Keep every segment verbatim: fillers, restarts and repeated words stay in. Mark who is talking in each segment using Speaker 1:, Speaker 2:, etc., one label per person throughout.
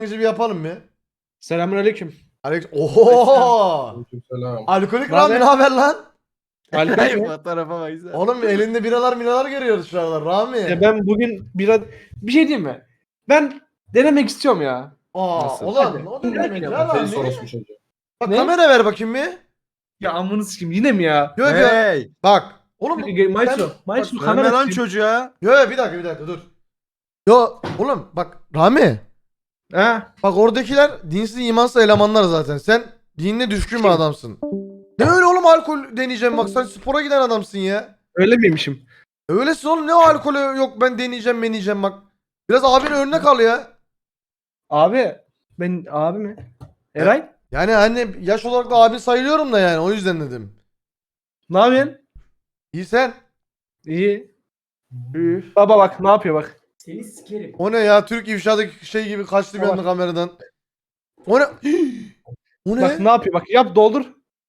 Speaker 1: bir yapalım mı?
Speaker 2: Selamünaleyküm.
Speaker 1: Alex. Oho!
Speaker 3: Selam.
Speaker 1: Alkolik
Speaker 2: Ne
Speaker 1: Rami
Speaker 2: haber?
Speaker 1: ne haber lan?
Speaker 2: Alkol mü?
Speaker 4: Fotoğrafa baksana.
Speaker 1: Oğlum elinde biralar minalar görüyoruz şu aralar Rami.
Speaker 2: Ya ben bugün biraz bir şey diyeyim mi? Ben denemek istiyorum ya.
Speaker 1: Aa,
Speaker 4: Nasıl?
Speaker 1: ulan
Speaker 2: Hadi.
Speaker 1: o ne demek ya
Speaker 3: Kafayı
Speaker 1: Rami?
Speaker 3: sorosmuş çocuğu.
Speaker 1: Bak
Speaker 2: Ne?
Speaker 1: kamera ver bakayım bir.
Speaker 2: Ya amını sikeyim yine mi ya?
Speaker 1: Yok yok.
Speaker 4: Hey!
Speaker 1: Bak. Oğlum bu-
Speaker 2: Maestro,
Speaker 1: sen-
Speaker 2: Maestro
Speaker 1: bak,
Speaker 2: kamera
Speaker 4: Verme lan
Speaker 2: açayım.
Speaker 4: çocuğa.
Speaker 1: Yo yo bir dakika bir dakika dur. Yo oğlum bak Rami.
Speaker 2: Ha?
Speaker 1: Bak oradakiler dinsiz imansız elemanlar zaten. Sen dinine düşkün bir
Speaker 2: Kim?
Speaker 1: adamsın. Ne öyle oğlum alkol deneyeceğim bak sen spora giden adamsın ya.
Speaker 2: Öyle miymişim?
Speaker 1: Öylesin oğlum ne o alkolü yok ben deneyeceğim deneyeceğim bak. Biraz abinin önüne kal ya.
Speaker 2: Abi ben abi mi? Eray?
Speaker 1: Yani hani yaş olarak da abin sayılıyorum da yani o yüzden dedim.
Speaker 2: Ne yapıyorsun?
Speaker 1: İyi sen.
Speaker 2: İyi. Üf. Baba bak ne yapıyor bak.
Speaker 5: Seni sikerim.
Speaker 1: O ne ya Türk ifşadaki şey gibi kaçtı bir
Speaker 2: Bak.
Speaker 1: anda kameradan. O ne? O ne?
Speaker 2: Bak ne yapıyor bak yap doldur.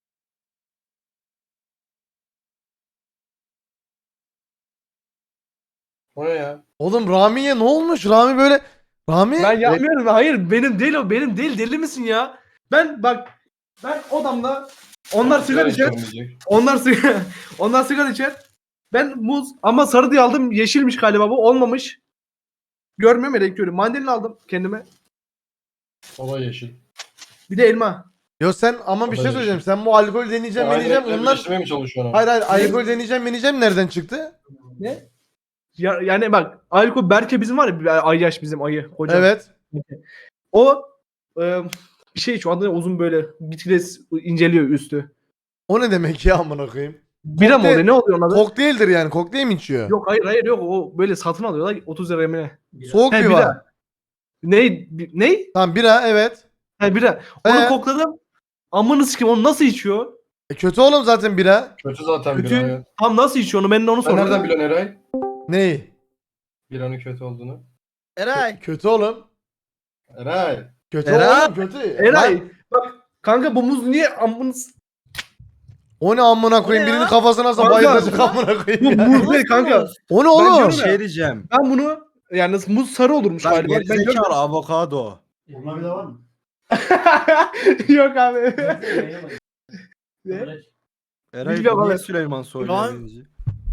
Speaker 3: O ne ya?
Speaker 1: Oğlum Rami'ye ne olmuş? Rami böyle Rami
Speaker 2: Ben yapmıyorum. Hayır benim değil o benim değil deli misin ya? Ben bak ben odamda onlar sigara içer.
Speaker 3: içmeyecek.
Speaker 2: Onlar sigara onlar sigara içer. Ben muz ama sarı diye aldım. Yeşilmiş galiba bu. Olmamış. Görmüyorum ya renk görüyorum. Mandalina aldım kendime.
Speaker 3: O da yeşil.
Speaker 2: Bir de elma.
Speaker 1: Yo sen ama bir şey
Speaker 3: Olabilir.
Speaker 1: söyleyeceğim. Sen bu alkol deneyeceğim
Speaker 3: Aynı
Speaker 1: deneyeceğim.
Speaker 3: renkleri
Speaker 1: Onlar
Speaker 3: birleştirmeye mi çalışıyorsun?
Speaker 1: hayır hayır alkol deneyeceğim deneyeceğim nereden çıktı?
Speaker 2: Ne? Ya, yani bak Alko Berke bizim var ya bir ay yaş bizim ayı koca.
Speaker 1: Evet.
Speaker 2: O e, bir şey şu anda uzun böyle gitgide inceliyor üstü.
Speaker 1: O ne demek ya amına koyayım?
Speaker 2: Bira mı
Speaker 1: Kokteyl-
Speaker 2: oluyor? Ne oluyor onun adı?
Speaker 1: Kokteyldir yani. Kokteyl mi içiyor?
Speaker 2: Yok hayır hayır yok o böyle satın alıyorlar otuz liraya mı ne?
Speaker 1: Soğuk
Speaker 2: He,
Speaker 1: bir
Speaker 2: bira.
Speaker 1: var.
Speaker 2: Ne? Ne?
Speaker 1: Tamam bira evet.
Speaker 2: Ha bira. Onu
Speaker 1: Ee?
Speaker 2: kokladım. Amını sikeyim onu nasıl içiyor?
Speaker 1: E kötü oğlum zaten bira.
Speaker 3: Kötü zaten
Speaker 2: Kötü.
Speaker 3: bira. Evet.
Speaker 2: Tam nasıl içiyor onu ben de onu
Speaker 3: Sen nereden
Speaker 2: sordum.
Speaker 3: biliyorsun Eray?
Speaker 1: Neyi?
Speaker 3: Biranın kötü olduğunu.
Speaker 4: Eray.
Speaker 1: Kötü oğlum.
Speaker 3: Eray.
Speaker 1: Kötü
Speaker 4: Eray.
Speaker 1: oğlum kötü.
Speaker 2: Eray
Speaker 1: Lan,
Speaker 2: bak kanka bu muz niye amını s-
Speaker 1: o ne amına koyayım?
Speaker 4: O ne
Speaker 1: Birinin
Speaker 4: ya?
Speaker 1: kafasına nasıl
Speaker 2: Kanka.
Speaker 1: bayılacak amına koyayım
Speaker 2: bu
Speaker 1: ya.
Speaker 2: muz değil kanka.
Speaker 1: O ne
Speaker 2: Ben
Speaker 1: oğlum?
Speaker 2: diyorum
Speaker 4: Bir şey diyeceğim.
Speaker 2: Ben bunu yani nasıl muz sarı olurmuş
Speaker 4: Lan
Speaker 2: galiba. Ben
Speaker 4: gerizekalı
Speaker 2: görmedim.
Speaker 4: avokado.
Speaker 5: Buna bir de var mı?
Speaker 2: Yok abi. Ne?
Speaker 4: Eray
Speaker 2: Bilmiyorum
Speaker 4: niye
Speaker 2: abi.
Speaker 4: Süleyman Soylu
Speaker 6: Lan.
Speaker 4: birinci?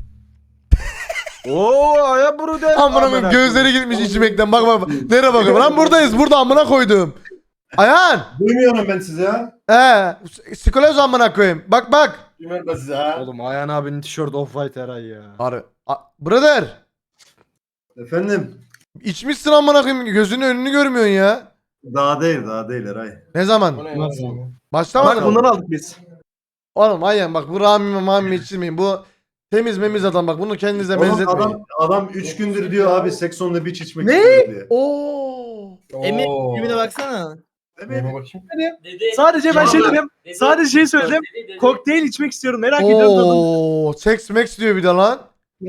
Speaker 4: Oo aya bunu der.
Speaker 1: Amına koyayım gözleri gitmiş içmekten. Bak bak bak. Nereye bakıyorum? Lan buradayız. Burada amına koydum. Ayhan.
Speaker 5: Duymuyorum ben sizi ya.
Speaker 1: He. Skoloz amına koyayım. Bak bak.
Speaker 3: Bilmiyorum ben size ha.
Speaker 4: Oğlum Ayhan abinin tişört off-white Eray ya.
Speaker 1: Harbi. A- Brother.
Speaker 5: Efendim?
Speaker 1: İçmişsin amına koyayım. Gözünün önünü görmüyorsun ya.
Speaker 5: Daha değil daha değil Eray.
Speaker 1: Ne zaman?
Speaker 3: O ne ya?
Speaker 2: Nasıl?
Speaker 1: Başlamadın
Speaker 2: Bak
Speaker 1: mı?
Speaker 2: bunları aldık biz.
Speaker 1: Oğlum aynen bak bu Rami Mami içirmeyin. Bu temiz memiz adam bak bunu kendinize
Speaker 5: Oğlum
Speaker 1: benzetmeyin.
Speaker 5: adam adam üç gündür diyor abi seks on the beach içmek
Speaker 2: Ne?
Speaker 5: istiyor diye.
Speaker 1: Oo.
Speaker 6: Emin
Speaker 3: Oo.
Speaker 6: filmine baksana.
Speaker 3: Neyime bakayım.
Speaker 2: Sadece ben şey dedim. Sadece şey söyledim. Kokteyl içmek istiyorum. Merak ediyorum tadını.
Speaker 1: Oo. Sex Max diyor bir de lan.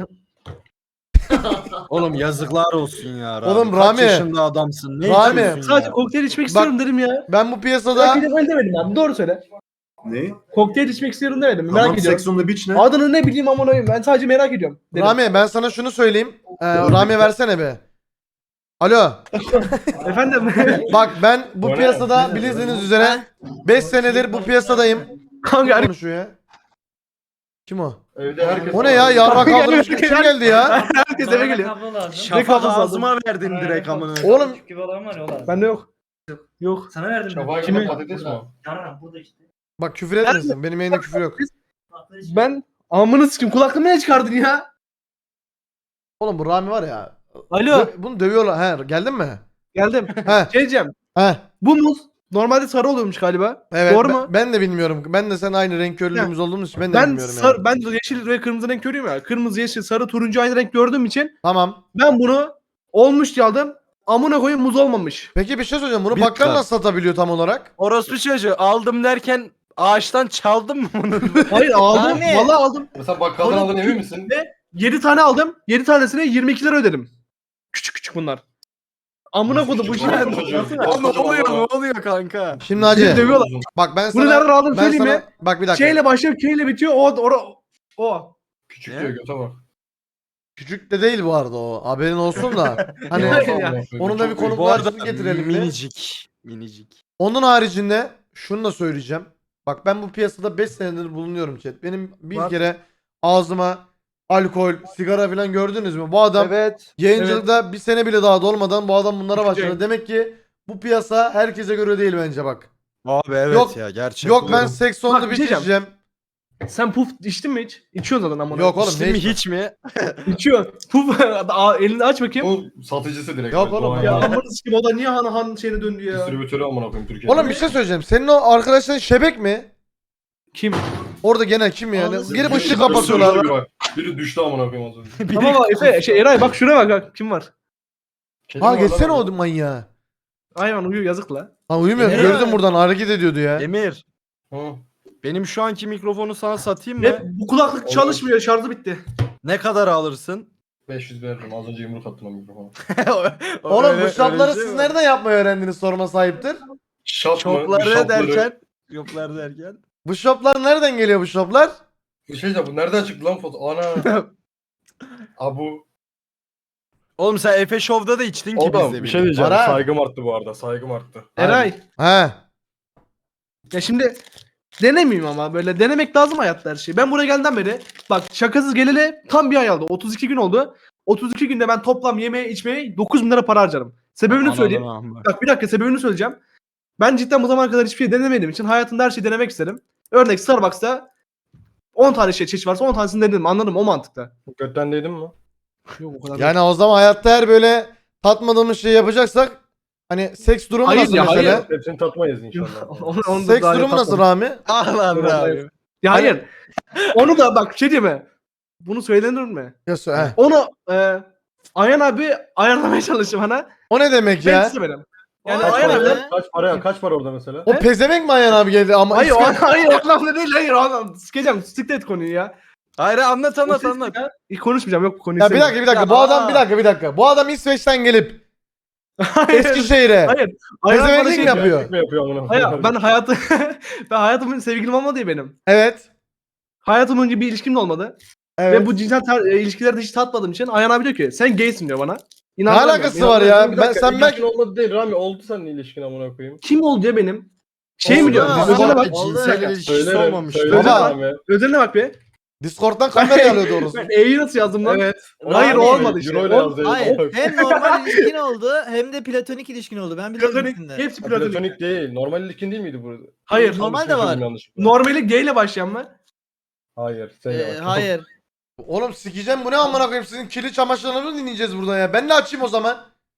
Speaker 4: Oğlum yazıklar olsun ya. Rami.
Speaker 1: Oğlum
Speaker 4: Kaç
Speaker 1: Rami.
Speaker 4: yaşında adamsın? Ne
Speaker 1: Rami.
Speaker 4: içiyorsun
Speaker 2: Sadece
Speaker 4: ya?
Speaker 2: kokteyl içmek
Speaker 1: Bak-
Speaker 2: istiyorum dedim ya.
Speaker 1: Ben bu
Speaker 2: Merak
Speaker 1: piyasada
Speaker 2: ediyorum öyle demedim abi. Doğru söyle.
Speaker 5: Ne?
Speaker 2: Kokteyl içmek istiyorum demedim. Merak
Speaker 5: Tamam
Speaker 2: ediyorum.
Speaker 5: seks on the beach ne?
Speaker 2: Adını ne bileyim amına koyayım. Ben sadece merak ediyorum. Dedim.
Speaker 1: Rami ben sana şunu söyleyeyim. Ee, Rami versene be. Alo.
Speaker 2: Efendim.
Speaker 1: Bak ben bu
Speaker 3: O ne?
Speaker 1: piyasada bildiğiniz üzere beş senedir bu piyasadayım.
Speaker 2: Kanka
Speaker 1: Kim konuşuyor ya? Kim o?
Speaker 3: Evde herkes...
Speaker 1: O ne ya? Yarrak kaldırmış kim geldi ya?
Speaker 2: herkes eve geliyor.
Speaker 4: Şafak
Speaker 2: kafası
Speaker 4: ağzıma verdin direkt amına.
Speaker 1: Oğlum
Speaker 5: gibi olan var ya olan.
Speaker 2: Bende yok. Yok.
Speaker 5: Sana verdim
Speaker 3: Şafağı
Speaker 2: Kimi?
Speaker 3: gibi patates mi o?
Speaker 5: Yaran burada işte.
Speaker 1: bak küfür etmesin. Benim yayında küfür yok.
Speaker 2: Ben amını sikim kulaklığımı ne çıkardın ya?
Speaker 1: Oğlum bu Rami var ya.
Speaker 2: Alo.
Speaker 1: dö- Bunu dövüyorlar. He geldin mi?
Speaker 2: Geldim.
Speaker 1: He.
Speaker 2: Şey diyeceğim.
Speaker 1: He.
Speaker 2: Bu muz normalde sarı oluyormuş galiba.
Speaker 1: Evet.
Speaker 2: Doğru
Speaker 1: ben,
Speaker 2: mu?
Speaker 1: ben de bilmiyorum. Ben de sen aynı renk körlüğümüz olduğumuz için ben de
Speaker 2: Ben
Speaker 1: bilmiyorum
Speaker 2: sar,
Speaker 1: yani.
Speaker 2: ben de yeşil ve kırmızı renk görüyorum ya. Kırmızı, yeşil, sarı, turuncu aynı renk gördüğüm için
Speaker 1: Tamam.
Speaker 2: ben bunu olmuş diye aldım. Amına koyayım muz olmamış.
Speaker 1: Peki bir şey söyleyeceğim. Bunu
Speaker 4: Bir
Speaker 1: bakkal
Speaker 4: dakika.
Speaker 1: nasıl satabiliyor tam olarak?
Speaker 4: Orospu çocuğu aldım derken ağaçtan çaldın mı bunu?
Speaker 2: Hayır aldım.
Speaker 6: Abi.
Speaker 2: Vallahi aldım.
Speaker 3: Mesela bakkaldan
Speaker 2: Oğlum,
Speaker 3: aldın emin misin?
Speaker 2: yedi tane aldım. yedi tanesine yirmi iki lira ödedim. Küçük küçük bunlar. Amına koydum bu
Speaker 3: Küçük
Speaker 2: şey.
Speaker 3: orospu çocuğu.
Speaker 2: Baksana.
Speaker 4: Oğlum ne oluyor ne oluyor kanka?
Speaker 1: Şimdi
Speaker 2: Bizi
Speaker 1: hacı.
Speaker 2: dövüyorlar.
Speaker 1: Bak ben
Speaker 2: Bunu
Speaker 1: sana
Speaker 2: nereden aldın
Speaker 1: ben
Speaker 2: söyleyeyim
Speaker 1: sana
Speaker 2: mi?
Speaker 1: bak bir dakika.
Speaker 2: Şeyle başlıyor, K ile bitiyor. O o o.
Speaker 3: Küçük diyor göte bak.
Speaker 1: Küçük de değil bu arada o. Haberin olsun da. Hani
Speaker 2: Ya,
Speaker 3: Ya,
Speaker 1: onun da bir
Speaker 3: çok-
Speaker 1: konu
Speaker 4: Bu
Speaker 1: var.
Speaker 4: arada
Speaker 1: Getirelim bir.
Speaker 4: minicik. Minicik.
Speaker 1: Onun haricinde şunu da söyleyeceğim. Bak ben bu piyasada beş senedir bulunuyorum chat. Benim bir
Speaker 2: Var.
Speaker 1: kere ağzıma alkol, sigara falan gördünüz mü? Bu adam
Speaker 4: Evet.
Speaker 1: yayıncılıkta bir sene bile daha dolmadan bu adam bunlara
Speaker 2: Üçüncü
Speaker 1: başladı.
Speaker 2: yayın.
Speaker 1: Demek ki bu piyasa herkese göre değil bence bak.
Speaker 4: Abi evet
Speaker 1: Yok-
Speaker 4: ya gerçekten.
Speaker 1: Yok ben seks
Speaker 2: Bak,
Speaker 1: sonunda
Speaker 2: bir
Speaker 1: bir
Speaker 2: şey diyeceğim.
Speaker 1: içeceğim.
Speaker 2: Sen puf içtin mi hiç? İçiyorsun zaten amına.
Speaker 1: Yok oğlum
Speaker 4: İçtin
Speaker 1: ne
Speaker 4: mi
Speaker 1: içmem?
Speaker 4: hiç mi?
Speaker 2: İçiyor. Puf Aa, elini aç bakayım.
Speaker 3: Bu satıcısı direkt.
Speaker 1: Yok
Speaker 3: Doğan
Speaker 1: oğlum
Speaker 2: Ya
Speaker 1: ya.
Speaker 3: Yalçın.
Speaker 2: amına sikim o da niye han han şeyine döndü ya?
Speaker 3: Distribütörü amına koyayım Türkiye'de.
Speaker 1: Oğlum bir şey söyleyeceğim. Senin o arkadaşların şebek mi?
Speaker 2: Kim?
Speaker 1: Orada genel kim yani?
Speaker 5: Anlasın.
Speaker 1: Girip
Speaker 3: Biri-
Speaker 1: ışığı
Speaker 3: biri-
Speaker 1: kapatıyorlar.
Speaker 3: biri- Biri düştü amına koyayım az önce.
Speaker 2: Tamam bak Efe şey Eray bak şuraya bak bak kim var?
Speaker 3: Kedi
Speaker 1: Ha
Speaker 3: mi var lan
Speaker 1: geçsene
Speaker 3: orada?
Speaker 1: o manyağı.
Speaker 2: Hayvan uyuyor yazık la.
Speaker 1: Ha uyumuyor.
Speaker 4: Emir.
Speaker 1: Gördüm buradan hareket ediyordu ya.
Speaker 4: Emir.
Speaker 3: Hı.
Speaker 4: Benim şu anki mikrofonu sana satayım mı?
Speaker 2: Ne? Bu kulaklık
Speaker 3: Olur.
Speaker 2: çalışmıyor şarjı bitti.
Speaker 4: Ne kadar alırsın?
Speaker 3: beş yüz veririm. Az önce yumruk attım o mikrofona.
Speaker 1: Oğlum
Speaker 4: Öyle-
Speaker 1: bu
Speaker 4: öyle
Speaker 1: şapları
Speaker 4: bir şey
Speaker 1: siz
Speaker 4: mi?
Speaker 1: nereden yapmayı öğrendiniz sorma sahiptir.
Speaker 3: Şap mı? Bir
Speaker 4: Şopları
Speaker 3: şapları-
Speaker 4: derken. Şoplar derken.
Speaker 1: Bu şoplar nereden geliyor bu şoplar?
Speaker 3: Bir şey diyeceğim, bu nereden çıktı lan foto? Ana. Abu.
Speaker 4: Oğlum sen Efe Show'da da içtin ki
Speaker 3: Oğlum
Speaker 4: bizde.
Speaker 3: bir şey diyeceğim.
Speaker 1: Para.
Speaker 3: Saygım arttı bu arada. Saygım arttı.
Speaker 2: Eray.
Speaker 1: He.
Speaker 2: Ya şimdi denemeyeyim ama böyle denemek lazım hayatta her şeyi. Ben buraya gelden beri bak şakasız geleli tam bir ay oldu. otuz iki gün oldu. otuz iki günde ben toplam yemeğe içmeye dokuz bin lira para harcarım. Sebebini söyleyeyim. Bak bir dakika sebebini söyleyeceğim. Ben cidden bu zamana kadar hiçbir şey denemediğim için hayatımda her şeyi denemek isterim. Örnek Starbucks'ta on tane şey çeşit varsa on tanesini denedim. Anladın mı? O mantıkta.
Speaker 3: Götten değdin mi?
Speaker 2: Yok o kadar.
Speaker 1: Yani o zaman hayatta her böyle tatmadığımız şey yapacaksak hani seks durumu
Speaker 2: Hayır
Speaker 1: nasıl
Speaker 2: ya,
Speaker 1: mesela?
Speaker 2: hayır.
Speaker 3: Hepsini tatmayız inşallah.
Speaker 2: Onu- onu da
Speaker 1: Seks
Speaker 2: daha
Speaker 1: durumu nasıl
Speaker 2: yapmadım.
Speaker 1: Rami?
Speaker 4: Ah lan abi.
Speaker 2: Ya hayır. Onu da bak şey diyeyim mi? Bunu söylenir mi?
Speaker 1: Ya sö- he.
Speaker 2: Onu e, Ayhan abi ayarlamaya çalıştı bana.
Speaker 1: O ne demek
Speaker 2: Ben
Speaker 1: ya?
Speaker 2: istemedim. Yani
Speaker 5: Kaç
Speaker 2: Ayhan
Speaker 5: para
Speaker 2: abi.
Speaker 5: ya?
Speaker 3: Kaç para? Kaç para orada mesela?
Speaker 1: O pezevenk mi Ayhan abi geldi ama
Speaker 2: Hayır, o,
Speaker 1: ismi-
Speaker 2: hayır o anlamda değil. Hayır o anlamda. Sikeceğim. Siktir et konuyu ya.
Speaker 4: Hayır anlat
Speaker 2: O
Speaker 4: anlat
Speaker 2: ses
Speaker 4: anlat.
Speaker 2: ya. İlk konuşmayacağım. Yok bu konuyu
Speaker 1: Ya bir dakika
Speaker 2: istemiyorum.
Speaker 1: bir dakika.
Speaker 4: Ya
Speaker 1: Bu adam
Speaker 4: aa.
Speaker 1: bir dakika bir dakika. Bu adam İsveç'ten gelip
Speaker 2: Hayır.
Speaker 1: Eskişehir'e
Speaker 2: Hayır. Ayhan bana
Speaker 1: pezevenklik
Speaker 2: şey
Speaker 1: mi yapıyor?
Speaker 3: Ne yapıyor amına
Speaker 2: Hayır
Speaker 3: koyayım?
Speaker 2: ben hayatı ben hayatımın sevgilim olmadı ya benim.
Speaker 1: Evet.
Speaker 2: Hayatım boyunca bir ilişkim de olmadı.
Speaker 1: Evet.
Speaker 2: Ve bu cinsel tar- e, ilişkilerde hiç tatmadığım için Ayhan abi diyor ki sen gaysin diyor bana.
Speaker 1: Ne
Speaker 2: İnanmıyorum.
Speaker 1: alakası
Speaker 2: ben.
Speaker 1: var ya?
Speaker 3: Bir
Speaker 1: Ben
Speaker 3: dakika,
Speaker 1: sen ben
Speaker 3: ilişkin olmadı değil Rami. Oldu senin ilişkin amına koyayım.
Speaker 2: Kim oldu ya benim? Şey mi
Speaker 1: Oldu.
Speaker 2: diyor?
Speaker 1: Oldu.
Speaker 2: Özeline bak.
Speaker 1: Oldu.
Speaker 4: Cinsel ilişkisi
Speaker 3: Söylerim,
Speaker 4: olmamış.
Speaker 3: söylerim
Speaker 2: Baba.
Speaker 3: Rami.
Speaker 2: Özeline bak be.
Speaker 1: Discord'dan kamera alıyordu orası.
Speaker 2: Ben E'yi nasıl yazdım lan?
Speaker 3: Evet.
Speaker 2: Hayır,
Speaker 3: Rami,
Speaker 2: o olmadı işte.
Speaker 3: Euro ile
Speaker 2: O-
Speaker 3: yazdı.
Speaker 5: Hayır.
Speaker 3: Hayır.
Speaker 5: Hem normal ilişkin oldu hem de platonik ilişkin oldu. Ben biliyorum
Speaker 2: Platonik.
Speaker 5: ikisini de.
Speaker 2: Hepsi platonik.
Speaker 3: Platonik değil. Normal ilişkin değil miydi burada?
Speaker 2: Hayır.
Speaker 5: Normal de
Speaker 3: Yanlış
Speaker 5: var.
Speaker 3: söyledim, yanlışlıkla.
Speaker 2: Normali G ile başlayan mı?
Speaker 3: Hayır. Sen
Speaker 5: Ee,
Speaker 3: yavaş.
Speaker 5: hayır.
Speaker 1: Oğlum sikeceğim bu ne amına koyayım sizin kirli çamaşırlarını dinleyeceğiz burada ya. Ben de açayım o zaman.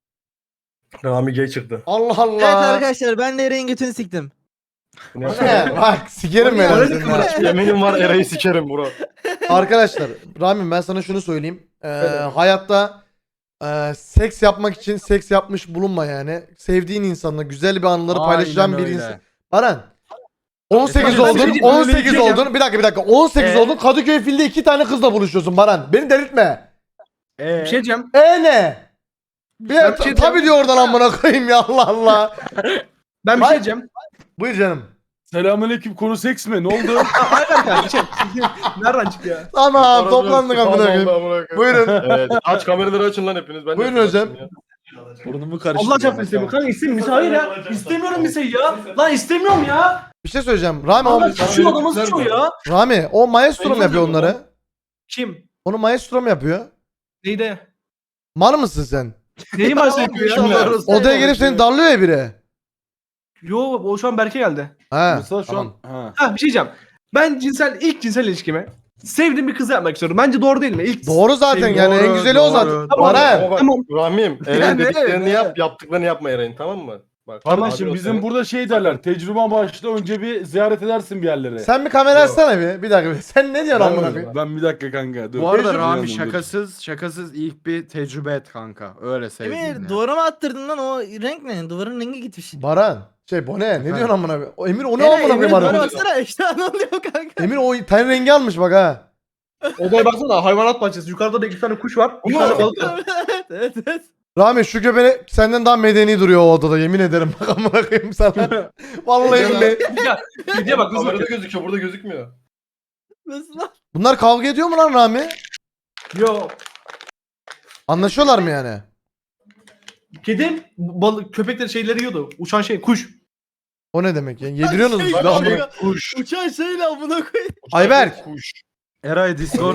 Speaker 3: Rami gay çıktı.
Speaker 1: Allah Allah.
Speaker 5: Evet arkadaşlar ben de Eray'ın götünü siktim.
Speaker 3: Bu ne
Speaker 1: Bu
Speaker 3: yapıyor?
Speaker 1: ne? Bak sikerim ben
Speaker 2: Öyle
Speaker 1: seni ha.
Speaker 3: Yeminim var Eray'ı sikerim bro.
Speaker 1: Arkadaşlar Rami ben sana şunu söyleyeyim. Ee, hayatta e, seks yapmak için seks yapmış bulunma yani. Sevdiğin insanla güzel bir anıları
Speaker 4: Aynen
Speaker 1: paylaşacağın bir
Speaker 4: öyle.
Speaker 1: insan. Baran. on sekiz
Speaker 2: Efendim, ben bir şey
Speaker 1: oldun,
Speaker 2: diyeyim,
Speaker 1: on sekiz
Speaker 2: öyle bir şey
Speaker 1: oldun. Bir dakika bir dakika. on sekiz
Speaker 4: Ee?
Speaker 1: oldun. Kadıköy filde iki tane kızla buluşuyorsun Baran. Beni delirtme.
Speaker 4: Ee,
Speaker 2: Bir şey diyeceğim.
Speaker 1: E ne? Bir,
Speaker 2: Ben bir şey
Speaker 1: tabii diyor oradan amına koyayım ya Allah Allah.
Speaker 2: Ben bir
Speaker 1: Hayır.
Speaker 2: şey diyeceğim.
Speaker 1: Buyur canım.
Speaker 6: Selamünaleyküm, konu seks mi? Ne oldu?
Speaker 2: Hayır kardeşim. Nereden çıktı ya?
Speaker 1: Tamam toplandık amına koyayım.
Speaker 3: koyayım.
Speaker 1: Buyurun.
Speaker 3: Evet. Aç kameraları açın lan hepiniz. Ben de
Speaker 1: Buyurun
Speaker 3: açayım
Speaker 1: hocam.
Speaker 3: ya.
Speaker 6: Burnumu karıştırdım.
Speaker 2: Allah çarpsın istemiyorum. Kanka istemiyorum. Hayır ya. İstemiyorum bir şey ya. Lan istemiyorum ya.
Speaker 1: Bir şey söyleyeceğim. Rami, o,
Speaker 2: Allah
Speaker 3: sana
Speaker 2: sıçıyor
Speaker 3: benim
Speaker 2: adamı
Speaker 3: kızlar
Speaker 2: sıçıyor
Speaker 3: mı?
Speaker 2: ya.
Speaker 1: Rami o maestro mu
Speaker 3: Benim
Speaker 1: yapıyor
Speaker 3: kızlar mı
Speaker 1: onları?
Speaker 2: Kim?
Speaker 1: Onu maestro mu yapıyor?
Speaker 2: Neydi?
Speaker 1: Mal mısın sen?
Speaker 2: Neyi bahsediyor ya?
Speaker 3: Kimler?
Speaker 1: Odaya gelip seni darlıyor ya biri.
Speaker 2: Yo o şu an Berke geldi.
Speaker 1: Ha.
Speaker 6: Mesela şu
Speaker 1: tamam.
Speaker 6: an... Ha.
Speaker 2: Ha bir şey diyeceğim. Ben cinsel ilk cinsel ilişkimi sevdiğim bir kızı yapmak istiyorum. Bence doğru değil mi? İlk
Speaker 1: Doğru zaten
Speaker 2: Sevgili-
Speaker 1: yani en
Speaker 4: Doğru,
Speaker 1: güzeli o
Speaker 4: doğru,
Speaker 1: zaten.
Speaker 4: doğru.
Speaker 1: Baran.
Speaker 3: Ama bak
Speaker 2: Tamam.
Speaker 3: Rahmi'm
Speaker 4: Ya
Speaker 3: Eray'ın
Speaker 4: ne,
Speaker 3: dediklerini
Speaker 4: ne?
Speaker 3: yap, yaptıklarını yapma Eray'ın, tamam mı? Bak,
Speaker 6: Kardeşim
Speaker 3: abi,
Speaker 6: bizim
Speaker 3: o
Speaker 6: burada şey derler. Tecrüben başta önce bir ziyaret edersin bir yerlere.
Speaker 1: Sen bir kamera açsana bir. Bir dakika. bir. Sen ne diyorsun
Speaker 3: Ben
Speaker 1: amına
Speaker 3: mi?
Speaker 1: koyayım?
Speaker 6: Ben bir dakika kanka. Dur.
Speaker 4: Bu arada
Speaker 6: Tecrübe
Speaker 4: Rami
Speaker 6: yandım, dur.
Speaker 4: şakasız şakasız ilk bir tecrübe et kanka. Öyle sevdim
Speaker 5: Emir
Speaker 4: ya.
Speaker 5: duvara mı attırdın lan o renk ne? Duvarın rengi gitmiş.
Speaker 1: Baran. Şey bu ne? Ne diyorsun amına koyayım? O Emir o ne
Speaker 5: Eray,
Speaker 1: amına
Speaker 5: Emir
Speaker 1: koyayım
Speaker 5: duvara
Speaker 1: arada?
Speaker 5: baksana işte ne oluyor kanka?
Speaker 1: Emir o ten rengi almış bak ha.
Speaker 2: odaya baksana hayvanat bahçesi. Yukarıda da iki tane kuş var. Bir tane balık var.
Speaker 5: evet evet evet.
Speaker 1: Rami şu göbeği senden daha medeni duruyor o odada yemin ederim bak amına koyayım sana. Vallahi billahi.
Speaker 2: Ya videoya bak nasıl
Speaker 3: Kamerada
Speaker 2: bakıyor.
Speaker 3: gözüküyor, burada gözükmüyor.
Speaker 5: Nasıl lan?
Speaker 1: Bunlar kavga ediyor mu lan Rami?
Speaker 2: Yo.
Speaker 1: Anlaşıyorlar mı yani?
Speaker 2: Kedim balık köpekleri şeyleri yiyordu. Uçan şey kuş.
Speaker 1: O ne demek ya? Yediriyorsunuz
Speaker 5: Şey,
Speaker 1: siz de amına.
Speaker 5: şey, Uçan şeyle amına koy.
Speaker 1: Ayberk.
Speaker 3: Kuş.
Speaker 4: Eray Discord.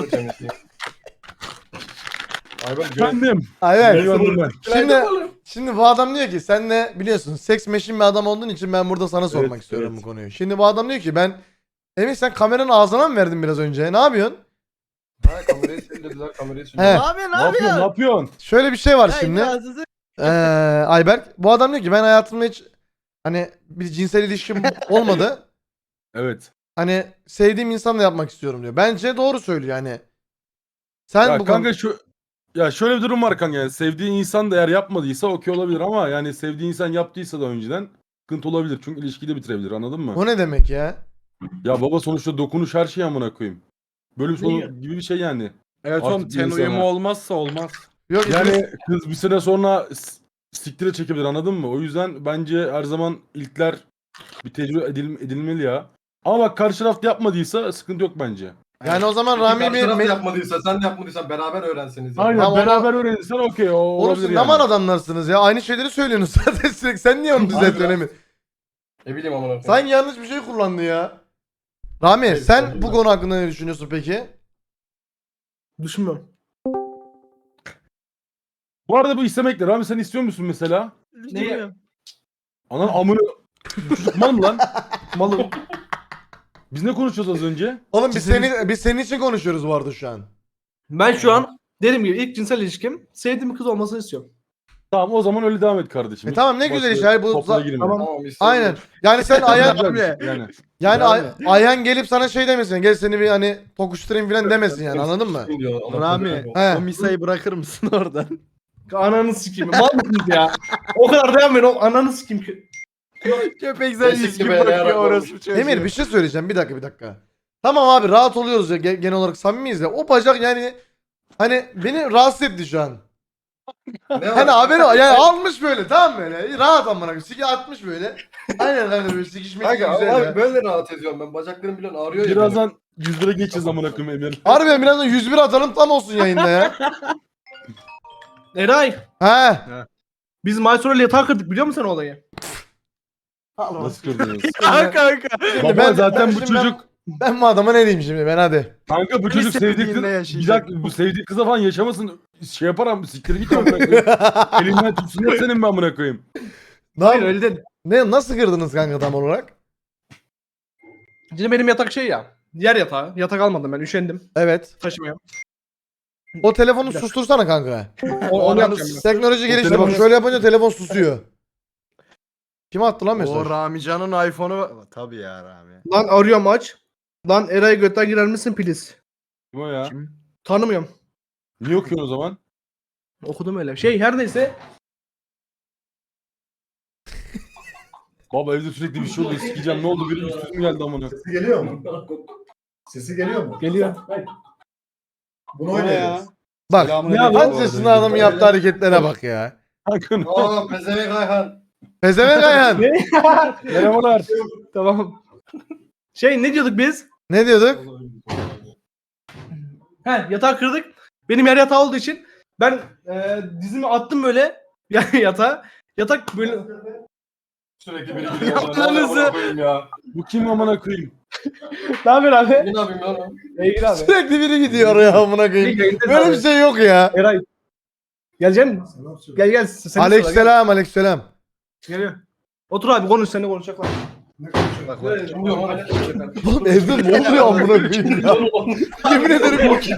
Speaker 3: Ayberk göre.
Speaker 6: Efendim.
Speaker 1: Ayberk.
Speaker 6: Eyvallah ben.
Speaker 1: Şimdi şimdi bu adam diyor ki sen de biliyorsun seks meşin bir adam olduğun için ben burada sana sormak
Speaker 6: Evet,
Speaker 1: istiyorum
Speaker 6: evet.
Speaker 1: bu konuyu. Şimdi bu adam diyor ki ben Emin sen kameranın ağzına mı verdin biraz önce? Ne yapıyorsun?
Speaker 3: Ha kamerayı sildiriler kamerayı
Speaker 1: He.
Speaker 3: sildiriler.
Speaker 5: Ne yapıyorsun
Speaker 6: Ne
Speaker 5: abi
Speaker 6: yapıyorsun? Ne
Speaker 5: ya?
Speaker 6: yapıyorsun?
Speaker 1: Şöyle bir şey var
Speaker 5: Ya
Speaker 1: şimdi.
Speaker 5: imkansızı-
Speaker 1: Ee, Ayberk bu adam diyor ki ben hayatımda hiç hani bir cinsel ilişkim olmadı.
Speaker 6: Evet.
Speaker 1: Hani sevdiğim insanla yapmak istiyorum diyor. Bence doğru söylüyor yani. Sen
Speaker 6: Ya
Speaker 1: bu
Speaker 6: kanka
Speaker 1: konu...
Speaker 6: şu ya şöyle bir durum var kanka yani sevdiğin insan da eğer yapmadıysa okey olabilir ama yani sevdiğin insan yaptıysa da önceden sıkıntı olabilir. Çünkü ilişkiyi de bitirebilir anladın mı?
Speaker 1: O ne demek ya?
Speaker 6: Ya baba sonuçta dokunuş her şey amına koyayım. Bölüm
Speaker 2: Ne
Speaker 6: sonu
Speaker 2: ya?
Speaker 6: gibi bir şey yani.
Speaker 4: Evet
Speaker 6: Artık
Speaker 4: oğlum
Speaker 6: bir
Speaker 4: ten
Speaker 6: insana-
Speaker 4: uyumu olmazsa olmaz.
Speaker 1: Yok
Speaker 6: Yani kız bir süre sonra s- siktire çekebilir anladın mı? O yüzden bence her zaman ilkler bir tecrübe edil- edilmeli ya. Ama bak karşı taraf yapmadıysa sıkıntı yok bence.
Speaker 1: yani o zaman
Speaker 3: Peki
Speaker 1: Rami
Speaker 3: karşı
Speaker 1: bir
Speaker 3: taraf da
Speaker 1: me-
Speaker 3: yapmadıysa sen de yapmadıysan beraber öğrenseniz. ya.
Speaker 6: Aynen
Speaker 1: Tamam,
Speaker 6: beraber öğrenirsen okey o
Speaker 1: Oğlum
Speaker 6: olabilir
Speaker 1: siz ne
Speaker 6: yani.
Speaker 1: man adamlarsınız ya. Aynı şeyleri söylüyorsunuz zaten sürekli. Sen niye onu düzeltiyorsun Emin?
Speaker 3: Ne bileyim amına koyayım.
Speaker 1: Sanki yanlış bir şey kullandı ya. Rami
Speaker 3: Evet,
Speaker 1: sen
Speaker 3: evet.
Speaker 1: bu konu hakkında ne düşünüyorsun peki?
Speaker 2: Düşünmüyorum.
Speaker 6: Bu arada bu istemekle Rami sen istiyor musun mesela?
Speaker 2: Neyi?
Speaker 6: Anan amını bu çocuk mal mı lan?
Speaker 2: Malım.
Speaker 6: Biz ne konuşuyoruz az önce?
Speaker 1: Oğlum biz
Speaker 6: Cinsel
Speaker 1: seni biz senin için konuşuyoruz bu arada şu an.
Speaker 2: Ben şu an dediğim gibi ilk cinsel ilişkim sevdiğim bir kız olmasını istiyorum.
Speaker 6: Tamam o zaman öyle devam et kardeşim.
Speaker 1: E tamam, ne güzel
Speaker 6: Başka
Speaker 1: işte, hayır, bu
Speaker 6: toplara
Speaker 1: za-
Speaker 6: girme.
Speaker 2: Tamam.
Speaker 3: Tamam istedim.
Speaker 1: Aynen. Yani sen Ayhan
Speaker 6: Güzel bir şey, yani.
Speaker 1: yani
Speaker 4: Rami.
Speaker 1: Ay- Ayhan gelip sana şey demesin. Gel seni bir hani tokuşturayım falan demesin yani, anladın mı?
Speaker 3: Diyor, Allah
Speaker 4: Rami
Speaker 3: korusun.
Speaker 1: He.
Speaker 4: o misayı bırakır mısın oradan?
Speaker 2: Ananı sikeyim. Mal mısınız ya? O kadar dayanmayın. O ananı sikeyim ki.
Speaker 4: Köpek sen
Speaker 3: Kesinlikle
Speaker 4: yüz gibi
Speaker 3: be,
Speaker 4: bakıyor
Speaker 3: yarak
Speaker 4: orası
Speaker 3: olmuş.
Speaker 4: çocuğu.
Speaker 1: Emir bir şey söyleyeceğim, bir dakika bir dakika. Tamam abi, rahat oluyoruz ya, ge- genel olarak samimiyiz ya. O bacak yani hani beni rahatsız etti şu an.
Speaker 3: Ne
Speaker 1: Hani
Speaker 3: var?
Speaker 1: haberi var. Yani almış böyle, tamam mı böyle? Rahat amına koyayım. Siki atmış böyle. Aynen kanka, böyle sikişmek
Speaker 3: Kanka
Speaker 1: güzel
Speaker 3: abi
Speaker 1: ya.
Speaker 3: böyle rahat ediyorum ben. Bacaklarım bilen ağrıyor ya. benim.
Speaker 6: Birazdan yüz lira geçeceğiz amına koyayım Emir.
Speaker 1: Harbiden birazdan yüz bir atalım, tam olsun yayında ya.
Speaker 2: Eray.
Speaker 1: He.
Speaker 2: Biz Maysur'la yatağı kırdık, biliyor musun sen o olayı?
Speaker 6: Nasıl kırdınız?
Speaker 4: Ha kanka.
Speaker 6: Baba
Speaker 1: ben-
Speaker 6: zaten
Speaker 1: ben
Speaker 6: bu
Speaker 1: şimdi ben-
Speaker 6: çocuk
Speaker 1: Ben bu adama ne diyeyim şimdi, ben hadi.
Speaker 6: kanka bu çocuk
Speaker 4: Lisede
Speaker 6: sevdiği kız
Speaker 4: dinle
Speaker 6: bir
Speaker 4: yaşayacak.
Speaker 6: dakika bu sevdiği kıza falan yaşamasın şey yapar ama siktir git amına koyayım. Elinden tutsun hep senin ben amına koyayım.
Speaker 2: Hayır
Speaker 1: Ne,
Speaker 2: öyle değil.
Speaker 1: ne nasıl kırdınız kanka tam olarak?
Speaker 2: Şimdi benim yatak şey ya. Yer yatağı. Yatak almadım ben, üşendim.
Speaker 1: Evet.
Speaker 2: Taşımıyorum.
Speaker 1: O telefonu sustursana kanka.
Speaker 2: O, onu yapacağım ben.
Speaker 1: Teknoloji gelişti bak,
Speaker 6: telefonu-
Speaker 1: şöyle yapınca telefon susuyor. Kim attı lan mesaj?
Speaker 4: O Ramican'ın iPhone'u tabii ya Rami.
Speaker 2: Lan arıyorum aç. Lan Eray götten girer misin please?
Speaker 6: Kim o ya?
Speaker 4: Kim?
Speaker 2: Tanımıyorum.
Speaker 6: Niye okuyorsun o zaman?
Speaker 2: Okudum öyle. Şey her neyse.
Speaker 6: Baba evde sürekli bir şey oluyor sikeceğim ne oldu biri üstüme geldi amına.
Speaker 7: Sesi geliyor mu? Sesi geliyor mu?
Speaker 2: Geliyor.
Speaker 7: Bunu oynayacağız.
Speaker 1: Bak.
Speaker 7: Selamünaleyküm.
Speaker 1: Kaç yaşında adamın yaptığı hareketlere bak ya.
Speaker 6: Kanka ne-
Speaker 3: Aa pezevenk Ayhan.
Speaker 1: Pezevenk Ayhan.
Speaker 6: Merhabalar.
Speaker 2: Tamam. Şey ne diyorduk biz?
Speaker 1: Ne diyorduk?
Speaker 2: He yatağı kırdık. Benim yer yatağı olduğu için ben e, dizimi attım böyle yani yatağa. Yatak böyle
Speaker 3: Sürekli biri gidiyor.
Speaker 4: Ananızı.
Speaker 3: Ya.
Speaker 6: Bu kim amına koyayım?
Speaker 2: ne haber abi?
Speaker 3: Ne yapayım lan?
Speaker 2: İyi abi.
Speaker 1: Sürekli biri gidiyor oraya amına koyayım. Böyle bir şey yok ya.
Speaker 2: Eray. Gelecek misin?
Speaker 7: Selam söyle.
Speaker 2: Gel gel. Seni
Speaker 1: Aleykümselam, aleykümselam.
Speaker 2: Geliyor. Otur abi konuş, seninle konuşacaklar.
Speaker 7: Ne konuşuyorsun?
Speaker 3: Bak kim diyor lan?
Speaker 1: Oğlum evde ne oluyor amına koyayım ya? Yemin ederim bu ki-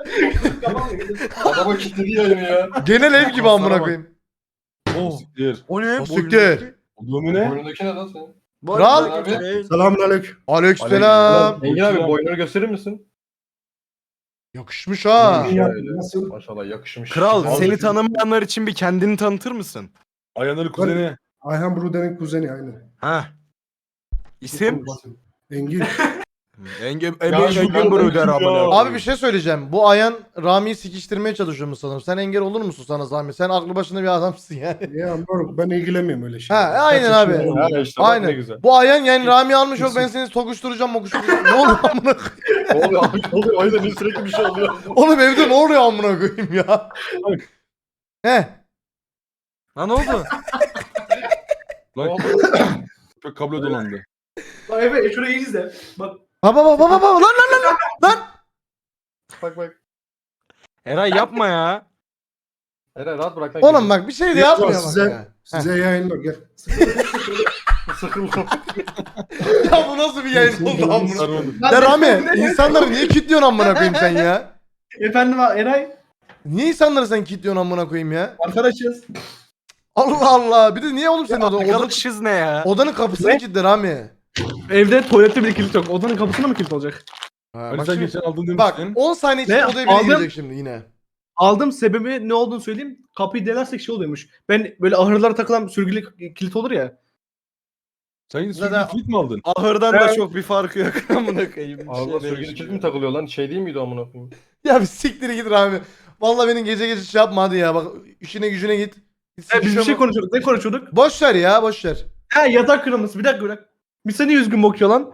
Speaker 3: Adama kilitledi yayını ya.
Speaker 1: genel ev gibi amına koyayım.
Speaker 6: Siktir.
Speaker 4: O ne?
Speaker 1: O siktir.
Speaker 6: O domine.
Speaker 3: Boynundaki ne lan senin?
Speaker 1: Kral.
Speaker 3: Abi.
Speaker 7: Selamünaleyküm.
Speaker 1: Aleykümselam.
Speaker 3: Engin abi boynunu gösterir misin?
Speaker 1: Yakışmış ha.
Speaker 3: Şöyle.
Speaker 7: Nasıl?
Speaker 3: Maşallah yakışmış.
Speaker 4: Kral
Speaker 3: Abi,
Speaker 4: seni tanımayanlar için bir kendini tanıtır mısın?
Speaker 6: Ayhan'ın kuzeni.
Speaker 7: Ayhan Bruder'in kuzeni aynı.
Speaker 4: Ha. İsim?
Speaker 7: Engin.
Speaker 4: Engin
Speaker 3: Ya
Speaker 4: Engin
Speaker 3: şu
Speaker 4: Engin
Speaker 3: anda-
Speaker 4: Bruder amına.
Speaker 1: Abi bir şey söyleyeceğim. Bu Ayhan Rami'yi sikiştirmeye çalışıyor mu sanırım? Sen engel olur musun sana zahmet? Sen aklı başında bir adamsın yani.
Speaker 7: Ya moruk ben ilgilenmiyorum öyle şey.
Speaker 1: Ha, aynen
Speaker 7: Kaç
Speaker 1: abi.
Speaker 7: yaşında
Speaker 3: Ha
Speaker 7: oldum?
Speaker 3: işte bak ne
Speaker 1: Aynen.
Speaker 3: güzel.
Speaker 1: Bu Ayhan yani Rami almış yok, ben seni tokuşturacağım mokuşturacağım. Ne oluyor amına koyayım?
Speaker 3: Ne oluyor abi? Ne oluyor? O yüzden sürekli bir şey oluyor.
Speaker 1: Oğlum evde ne oluyor amına koyayım ya? He.
Speaker 4: Lan ne oldu?
Speaker 6: Lan köpek kablo dolandı.
Speaker 2: Bak Efe şurayı iyi izle. Bak.
Speaker 1: Baba baba baba baba lan lan lan lan.
Speaker 3: Bak bak.
Speaker 4: Eray yapma ya.
Speaker 3: Eray rahat bırak lan.
Speaker 1: Oğlum bak bir şey de yapmıyor bak
Speaker 7: size,
Speaker 1: ya.
Speaker 7: size yayınlar gel.
Speaker 3: Sıkıldım.
Speaker 1: Ya bu nasıl bir yayın oldu amına?
Speaker 6: Sarmadı.
Speaker 1: Ya Rami insanları niye kilitliyorsun amına koyayım sen ya?
Speaker 2: Efendim Eray.
Speaker 1: Niye insanları sen kilitliyorsun amına koyayım ya?
Speaker 2: Arkadaşız.
Speaker 1: Allah Allah. Bir de niye oğlum senin odan, odanın,
Speaker 4: Arkadaşız ne ya?
Speaker 1: odanın kapısını
Speaker 2: Ne?
Speaker 1: kilitle Rami.
Speaker 2: Evde tuvalette bile kilit yok. Odanın kapısına mı kilit olacak?
Speaker 1: Ha,
Speaker 6: Hani
Speaker 1: bak,
Speaker 6: sen
Speaker 1: şimdi-
Speaker 6: geçen aldın
Speaker 1: bak
Speaker 6: demiştin.
Speaker 1: on saniye içinde
Speaker 2: Ne?
Speaker 1: odaya biri
Speaker 2: Aldım.
Speaker 1: girecek şimdi yine.
Speaker 2: Aldım sebebi ne olduğunu söyleyeyim. Kapıyı delersek şey oluyormuş. Ben böyle ahırlara takılan sürgülü kilit olur ya.
Speaker 6: Sen yine
Speaker 4: Zaten-
Speaker 6: sürekli kilit mi aldın?
Speaker 4: Ahırdan da
Speaker 2: Evet.
Speaker 4: çok bir farkı yok. Amına koyayım. Bir
Speaker 3: Allah
Speaker 4: şey
Speaker 3: sürgülü
Speaker 4: değişmiyor.
Speaker 3: kilit mi takılıyor lan? Şey değil miydi amına koyayım?
Speaker 1: Ya bir siktir git Rami. Vallahi benim gece gece şey yapma hadi ya. Bak işine gücüne git. Git
Speaker 2: E, biz bir
Speaker 1: sikişe
Speaker 2: şey
Speaker 1: bak.
Speaker 2: konuşuyorduk. Ne konuşuyorduk?
Speaker 1: Boş ver ya boş ver.
Speaker 2: Ha yatak kırılması. Bir dakika bırak. Bir seni üzgün bakıyor lan.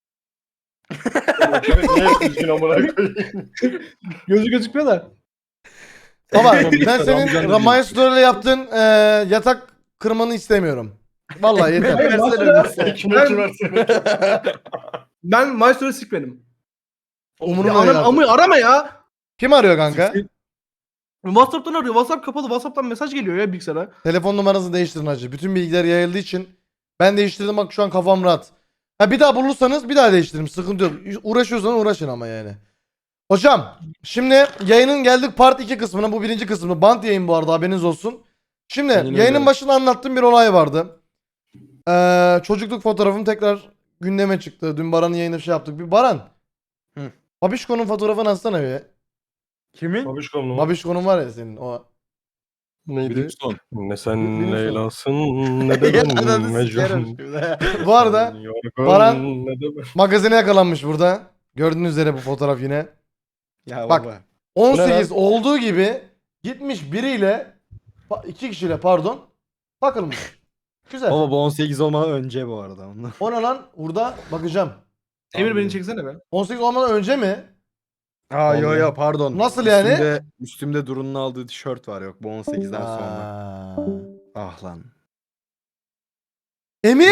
Speaker 3: Köpek niye üzgün amına koyayım?
Speaker 2: Gözü gözükmüyor da.
Speaker 1: Baba
Speaker 6: Tamam,
Speaker 1: ben
Speaker 6: tamam,
Speaker 1: senin
Speaker 6: canım
Speaker 1: Ramaya Story'le yaptığın e, yatak kırmanı istemiyorum. Vallahi yeter.
Speaker 2: Hayır,
Speaker 4: Versene
Speaker 2: mesela-
Speaker 4: bize.
Speaker 3: Ekmekçi versene.
Speaker 2: Ben Maestro'yu sikmedim. Ya
Speaker 1: Umurumda
Speaker 2: anam,
Speaker 1: değil artık.
Speaker 2: amı arama ya.
Speaker 1: Kim arıyor kanka?
Speaker 2: WhatsApp'tan arıyor. WhatsApp kapalı. WhatsApp'tan mesaj geliyor ya bilgisayara.
Speaker 1: Telefon numaranızı değiştirin hacı. Bütün bilgiler yayıldığı için ben değiştirdim bak şu an kafam rahat. Ha bir daha bulursanız bir daha değiştiririm. Sıkıntı yok. Uğraşıyorsanız uğraşın ama yani. Hocam şimdi yayının geldik part iki kısmına. Bu birinci kısmı. Bant yayın bu arada haberiniz olsun. Şimdi
Speaker 6: Aynen
Speaker 1: yayının
Speaker 6: öyle.
Speaker 1: başında anlattığım bir olay vardı. Ee, çocukluk fotoğrafım tekrar gündeme çıktı. Dün Baran'ın yayında bir şey yaptık. Bir Baran.
Speaker 4: Hı.
Speaker 1: Babişko'nun fotoğrafını atsana bir.
Speaker 4: Kimin?
Speaker 3: Babişkom mu?
Speaker 1: Babişko'nun var ya senin o.
Speaker 3: Neydi?
Speaker 6: Brimstone.
Speaker 3: Ne sen
Speaker 1: Brimstone.
Speaker 3: Leylasın ne de ben
Speaker 4: Ananı
Speaker 3: Mecnun.
Speaker 4: sikerim şimdi.
Speaker 1: Bu arada
Speaker 3: Yorgun,
Speaker 1: Baran-
Speaker 3: ne de ben.
Speaker 1: magazine yakalanmış burada. Gördüğünüz üzere bu fotoğraf yine.
Speaker 4: Ya
Speaker 1: Bak.
Speaker 4: baba.
Speaker 1: on
Speaker 3: Bu ne
Speaker 1: sekiz olduğu gibi gitmiş biriyle pa- iki kişiyle pardon takılmış. Güzel.
Speaker 8: Baba bu on sekiz olmadan önce bu arada. Ondan.
Speaker 1: O ne lan? Burada bakacağım.
Speaker 2: Emir beni çeksene be.
Speaker 1: on sekiz olmadan önce mi?
Speaker 8: Aa yo yo pardon.
Speaker 1: Nasıl yani?
Speaker 8: Üstümde, üstümde Duru'nun aldığı tişört var yok bu on sekizden sonra.
Speaker 1: Aa.
Speaker 8: Ah lan.
Speaker 1: Emir!